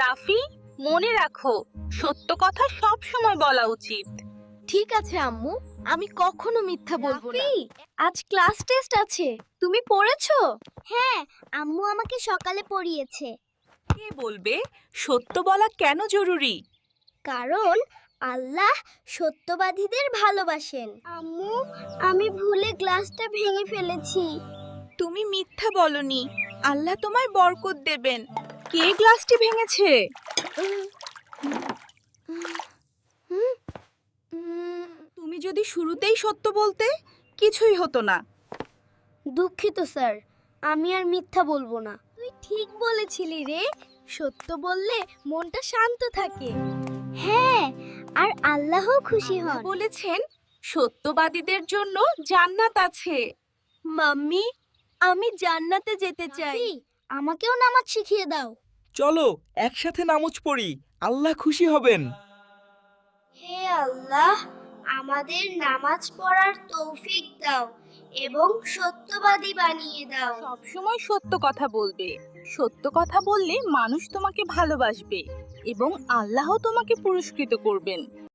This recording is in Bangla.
রাফি, মনে রাখো, সত্য কথা সব সময় বলা উচিত। ঠিক আছে আম্মু, আমি কখনো মিথ্যা বলবো না। আজ ক্লাস টেস্ট আছে, তুমি পড়েছো? হ্যাঁ, আম্মু আমাকে সকালে পড়িয়েছে। কে বলবে সত্য বলা কেন জরুরি? কারণ আল্লাহ সত্যবাদীদের ভালোবাসেন। আম্মু, আমি ভুলে গ্লাসটা ভেঙে ফেলেছি। তুমি মিথ্যা বলনি, আল্লাহ তোমায় বরকত দেবেন। কে গ্লাসটি ভেঙেছে? তুমি যদি শুরুতেই সত্য বলতে, কিছুই হতো না। দুঃখিত স্যার, আমি আর মিথ্যা বলবো না। তুই ঠিক বলেছিলি রে, সত্য বললে মনটা শান্ত থাকে। হ্যাঁ, আর আল্লাহও খুশি হন। বলেছেন সত্যবাদীদের জন্য জান্নাত আছে। মাম্মি, আমি জান্নাতে যেতে চাই। আমাকেও নামাজ শিখিয়ে দাও। চলো একসাথে নামাজ পড়ি, আল্লাহ খুশি হবেন। হে আল্লাহ, আমাদের নামাজ পড়ার তৌফিক দাও এবং সত্যবাদী বানিয়ে দাও। সবসময় সত্য কথা বলবে। সত্য কথা বললে মানুষ তোমাকে ভালোবাসবে এবং আল্লাহ তোমাকে পুরস্কৃত করবেন।